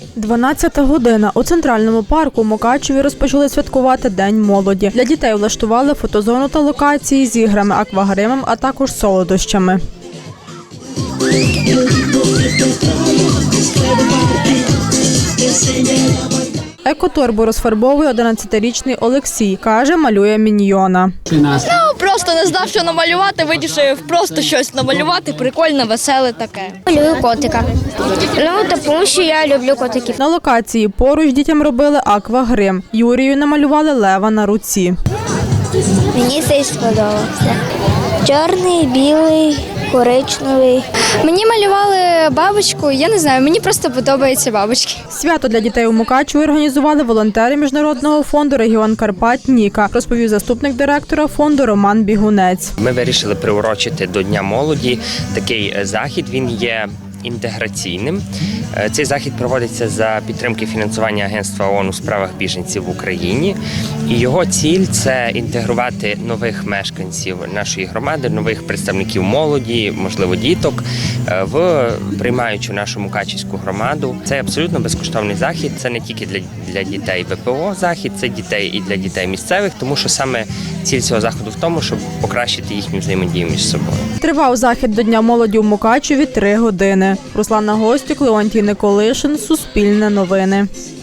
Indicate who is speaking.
Speaker 1: 12 година. У центральному парку Мукачеві розпочали святкувати День молоді. Для дітей влаштували фотозону та локації з іграми, аквагримом, а також солодощами. Екоторбу розфарбовує 11-річний Олексій. Каже, малює міньйона.
Speaker 2: Просто не знав, що намалювати, вирішив просто щось намалювати, прикольне, веселе таке.
Speaker 3: Малюю котика. Тому що я люблю котиків.
Speaker 1: На локації поруч дітям робили аквагрим. Юрію намалювали лева на руці.
Speaker 3: Мені це сподобалося. Чорний, білий, коричневий.
Speaker 4: Мені малювали бабочку, я не знаю, мені просто подобаються бабочки.
Speaker 1: Свято для дітей у Мукачеві організували волонтери Міжнародного фонду «Регіон Карпат» Ніка, розповів заступник директора фонду Роман Бігунець.
Speaker 5: Ми вирішили приурочити до Дня молоді такий захід, він є інтеграційним. Цей захід проводиться за підтримки фінансування Агентства ООН у справах біженців в Україні. І його ціль – це інтегрувати нових мешканців нашої громади, нових представників молоді, можливо, діток, в приймаючу нашу мукачівську громаду. Це абсолютно безкоштовний захід, це не тільки для дітей ВПО захід, це дітей і для дітей місцевих, тому що саме ціль цього заходу в тому, щоб покращити їхню взаємодію між собою.
Speaker 1: Тривав захід до Дня молоді у Мукачеві 3 години. Руслана Гостюк, Леонтій Николишин, Суспільне новини.